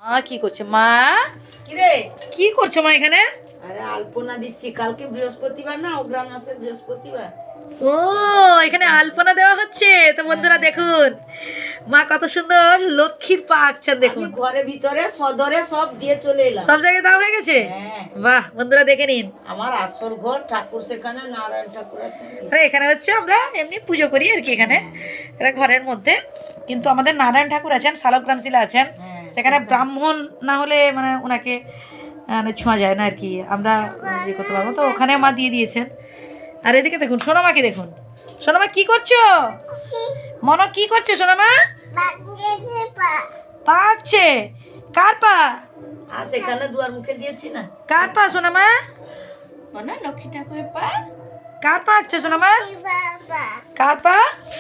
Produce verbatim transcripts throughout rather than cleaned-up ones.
মা কি করছে? মা কি রে? কি করছো মা এখানে? আরে আলপনা দিচ্ছি, কালকে বৃহস্পতিবার না, অগ্রহায়ণ মাসের বৃহস্পতিবার। ও এখানে আলপনা দেওয়া হচ্ছে। তো বন্ধুরা দেখুন মা কত সুন্দর লক্ষ্মীর পা আঁকছেন আমি দেখুন। ঘরে ভিতরে সদরে সব দিয়ে চলে এলাম। সব জায়গায় দেওয়া হয়ে গেছে। হ্যাঁ, বাহ বন্ধুরা দেখে নিন। আমার আসল ঘর ঠাকুর সেখানে, নারায়ণ ঠাকুর আছে। আরে এখানে হচ্ছে আমরা এমনি পুজো করি আর কি এখানে, এটা ঘরের মধ্যে। কিন্তু আমাদের নারায়ণ ঠাকুর আছেন, শালগ্রাম শিলা আছেন, হ্যাঁ, সেখানে ব্রাহ্মণ না হলে মানে ওনাকে মানে ছোঁয়া যায় না আর কি, আমরা ইয়ে করতে পারবো। তো ওখানে মা দিয়ে দিয়েছেন। আর এদিকে দেখুন সোনামাকে দেখুন। সোনামা কি করছো? মনো কি করছো সোনামা? পা আঁকছে। কার পা? আর সেখানে দুয়ার মুখে দিয়েছি না। কার পা সোনামা? মানে লক্ষ্মী ঠাকুরের পা। কার পা আঁকছে সোনামা? কার পা?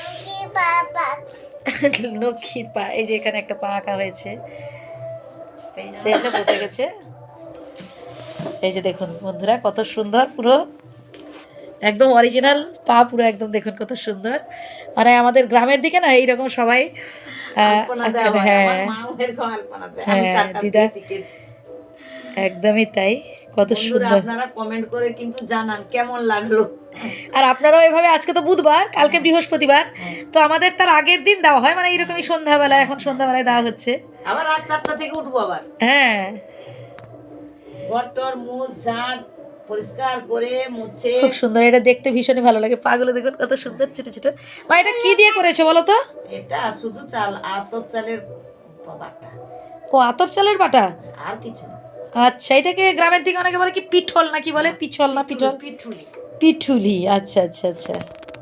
লক্ষ্মীর পা। এই যে এখানে একটা পা আঁকা হয়েছে, সে এসে বসে গেছে। এই যে দেখুন বন্ধুরা কত সুন্দর, পুরো একদম অরিজিনাল পা, পুরো একদম দেখুন কত সুন্দর। মানে আমাদের গ্রামের দিকে না এইরকম সবাই আলপনা দেওয়া হয়, হ্যাঁ আমার মাও এরকম আলপনা দেয়, আমি হ্যাঁ তার কাছ দিদা থেকে শিখেছি। একদমই তাই, কত বন্ধুরা সুন্দর। আপনারা কমেন্ট করে কিন্তু জানান কেমন লাগলো। আর আপনারাও এভাবে, আজকে তো বুধবার, কালকে বৃহস্পতিবার, তো আমাদের তার আগের দিন দেওয়া হয়, মানে এইরকমই সন্ধ্যাবেলা, এখন সন্ধ্যাবেলায় দেওয়া হচ্ছে। আবার রাত চারটা থেকে উঠবো, আবার হ্যাঁ ঘর টর মুছ ঝাঁট পরিষ্কার করে মুছে। খুব সুন্দর, এটা দেখতে ভীষণই ভালো লাগে। পাগুলো দেখুন কত সুন্দর ছোট ছোট। মা এটা কি দিয়ে করেছো বলো তো? এটা শুধু চাল, আতপ চালের বাটা, ও আতপ চালের বাটা। আর কিছু না। আচ্ছা, এটাকে গ্রামের দিকে অনেকে বলে কি পিঠল না কি বলে, পিছল না পিঠল? পিঠুলি। পিঠুলি, আচ্ছা আচ্ছা আচ্ছা।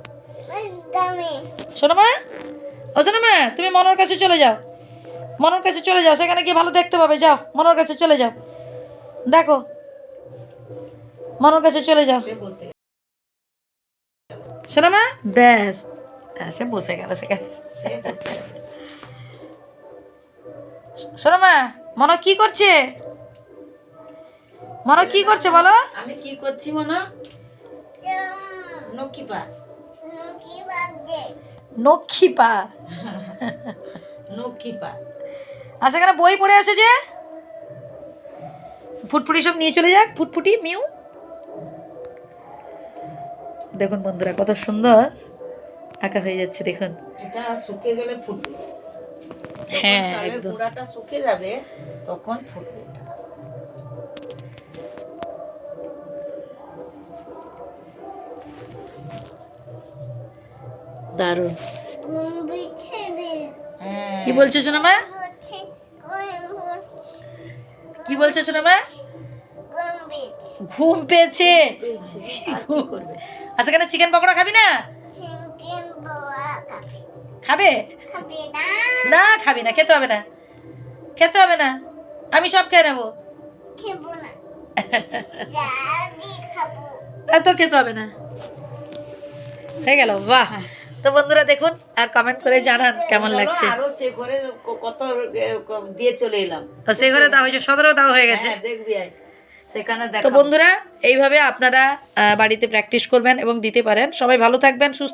শোনো মা, ও শোনো মা, তুমি মনোর কাছে চলে যাও, মনোর কাছে চলে যাও, সেখানে গিয়ে ভালো দেখতে পাবে। যাও মনোর কাছে চলে যাও, দেখো মনোর কাছে চলে যাও। বসে শোনো মা, ব্যাস সে বসে গেল সেখানে। সে বসে গেল। শোনো মা, মনো কি করছে? মনো কি করছে বলো? আমি কি করছি মনে? নকি পা। নক্ষী পা। নকি পা। আর সেখানে বই পড়ে আছে যে, ফুটফুটি সব নিয়ে চলে যাক, ফুটফুটি মিউ। দেখুন বন্ধুরা কত সুন্দর আঁকা হয়ে যাচ্ছে দেখুন। এটা শুকিয়ে গেলে ফুটবে। হ্যাঁ চালের একদম। গুঁড়াটা শুকিয়ে যাবে, তখন ফুটবে এটা আস্তে আস্তে। দারুণ। হ্যাঁ। কি বলছো শোনো মা? কি বলছো শোনো মা? ঘুম পেয়েছে। আর কি করবে? আর সেখানে চিকেন পকোড়া খাবি না? খাবে না? খাবি না, খেতে হবে না, খেতে হবে না, আমি সব খেয়ে নেবো। তো খেতে হবে না, হয়ে গেল। বাহ। তো বন্ধুরা দেখুন, আর কমেন্ট করে জানান কেমন লাগছে। আরো সে করে কত দিয়ে চলে এলাম। তো সে ঘরে দেওয়া হয়েছে, সদরেও দেওয়া হয়ে গেছে। হ্যাঁ, দেখবি আয় সেখানে তো দেখাবো। বন্ধুরা এইভাবে আপনারা আহ, বাড়িতে প্র্যাকটিস করবেন এবং দিতে পারেন। সবাই ভালো থাকবেন, সুস্থ